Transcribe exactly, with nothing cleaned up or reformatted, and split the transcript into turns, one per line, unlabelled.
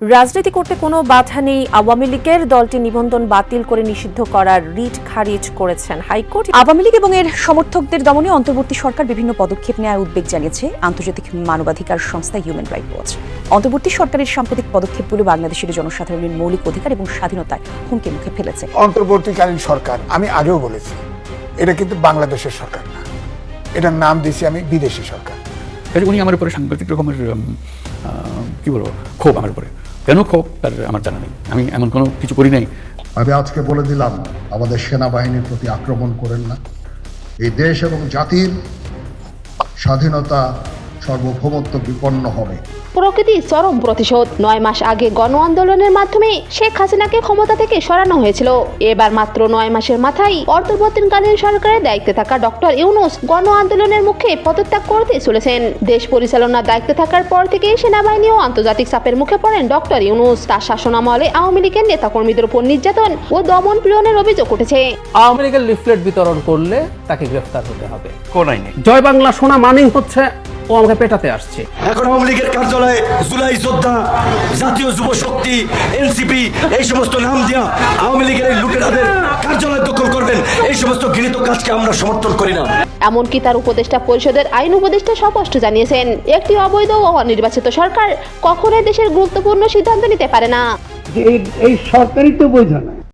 রাজনীতি করতে কোনো বাধা নেই, আওয়ামী লীগের দলটি নিবন্ধন বাতিল করে নিষিদ্ধ করার রিট খারিজ করেছেন হাইকোর্ট।
আওয়ামী লীগ এবং এর সমর্থকদের দমনে অন্তর্বর্তী সরকার বিভিন্ন পদক্ষেপ নেওয়ার উদ্বেগ জানিয়েছে আন্তর্জাতিক মানবাধিকার সংস্থা হিউম্যান রাইটস ওয়াচ। অন্তর্বর্তী সরকারের সাম্প্রতিক পদক্ষেপগুলো বাংলাদেশের জনসাধারণের মৌলিক অধিকার এবং স্বাধীনতায় হুমকি মুখে ফেলেছে।
অন্তর্বর্তীকালীন সরকার, আমি আগেও বলেছি, এটা কিন্তু বাংলাদেশের সরকার না, এটার নাম দিয়েছি আমি বিদেশি সরকার।
উনি আমার উপরে সাংঘাতিক রকমের কি বলবো ক্ষোভ, আমার উপরে কেন ক্ষোভ তার আমার জানা নেই, আমি এমন কোনো কিছু করি নাই।
আমি আজকে বলে দিলাম, আমাদের সেনাবাহিনীর প্রতি আক্রমণ করেন না। এই দেশ এবং জাতির স্বাধীনতা সার্বভৌমত্ব বিপন্ন হবে।
প্রকৃতি চরম প্রতিশোধ। নয় মাস আগে গণ আন্দোলনের মাধ্যমে শেখ হাসিনাকে ক্ষমতা থেকে সরানো হয়েছিল। এবার মাত্র নয় মাসের মাথায় অন্তর্বর্তীকালীন সরকারের দায়িত্বে থাকা ডক্টর ইউনূস গণ আন্দোলনের মুখে পদত্যাগ করতে চলেছেন। দেশ পরিচালনার দায়িত্বে থাকার পর থেকে সেনাবাহিনী ও আন্তর্জাতিক চাপের মুখে পড়েন ডক্টর ইউনূস। তার শাসনামলে আওয়ামী লীগের নেতাকর্মীদের উপর নির্যাতন ও দমন পীড়নের অভিযোগ উঠেছে।
আওয়ামী লীগের লিফলেট বিতরণ করলে তাকে গ্রেফতার হতে হবে।
কোন আইনে?
জয় বাংলা শোনা মানেই হচ্ছে ও আমাকে পেটাতে আসছে।
এখন আওয়ামী লীগের কার্যালয়ে জুলাই যোদ্ধা, জাতীয় যুব শক্তি, এনসিপি এই সমস্ত নাম দিয়া আওয়ামী লীগের এই লুটেরাদের কার্যালয় দখল করবেন, এই সমস্ত ঘৃণিত কাজকে আমরা সমর্থন করি না।
এমনকি তার উপদেষ্টা পরিষদের আইন উপদেষ্টা স্পষ্ট জানিয়েছেন, একটি অবৈধ ও অনির্বাচিত সরকার কখনোই দেশের গুরুত্বপূর্ণ সিদ্ধান্ত নিতে পারে না।
এই সরকারই তো বৈধ না।